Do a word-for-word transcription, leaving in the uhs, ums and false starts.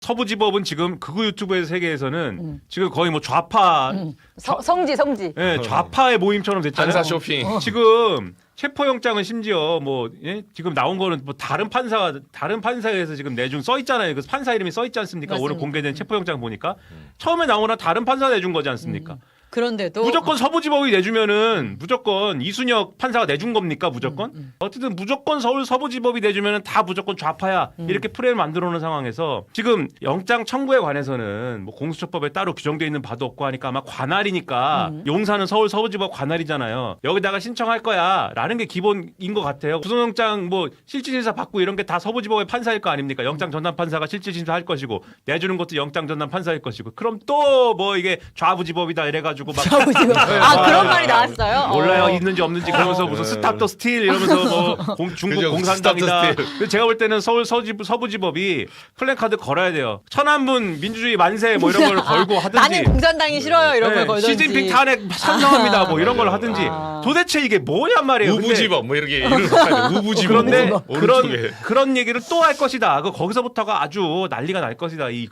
서부지법은 지금 극우 유튜브의 세계에서는 음. 지금 거의 뭐 좌파, 음. 서, 성지 성지. 예, 좌파의 모임처럼 됐잖아요. 판사 쇼핑. 지금 체포영장은 심지어 뭐 예? 지금 나온 거는 뭐 다른 판사 다른 판사에서 지금 내준 써 있잖아요. 그 판사 이름이 써 있지 않습니까? 맞습니다. 오늘 공개된 체포영장 보니까 처음에 나오나 다른 판사 내준 거지 않습니까? 그런데도 무조건 서부지법이 내주면은 무조건 이순혁 판사가 내준 겁니까? 무조건? 음, 음. 어쨌든 무조건 서울 서부지법이 내주면은 다 무조건 좌파야 음. 이렇게 프레임을 만들어 놓은 상황에서 지금 영장 청구에 관해서는 뭐 공수처법에 따로 규정되어 있는 바도 없고 하니까 아마 관할이니까 음. 용산은 서울 서부지법 관할이잖아요. 여기다가 신청할 거야라는 게 기본인 것 같아요. 구속영장 뭐 실질심사 받고 이런 게 다 서부지법의 판사일 거 아닙니까? 영장 전담 판사가 실질심사 할 것이고 내주는 것도 영장 전담 판사일 것이고 그럼 또 뭐 이게 좌부지법이다 이래가지고 막 좌우지법. 아 그런 말이 나왔어요. 몰라요 어. 있는지 없는지 그러면서 무슨 어. 스탑 더 스틸 이러면서 뭐 공, 중국 그죠, 공산당이다. 스탑 더 스틸. 근데 제가 볼 때는 서울 서지부, 서부지법이 플래카드 걸어야 돼요. 천안문 민주주의 만세 뭐 이런 걸 걸고 하든지. 나는 공산당이 싫어요 이런 네, 걸 걸든지. 시진핑 탄핵 찬성합니다 뭐 이런 걸 맞아요. 하든지. 아. 도대체 이게 뭐냔 말이에요. 근데 우부지법 뭐 이렇게 이런 거 하죠. 우부지법. 그런데 뭐 그런 오른쪽에. 그런 얘기를 또 할 것이다. 그 거기서부터가 아주 난리가 날 것이다. 이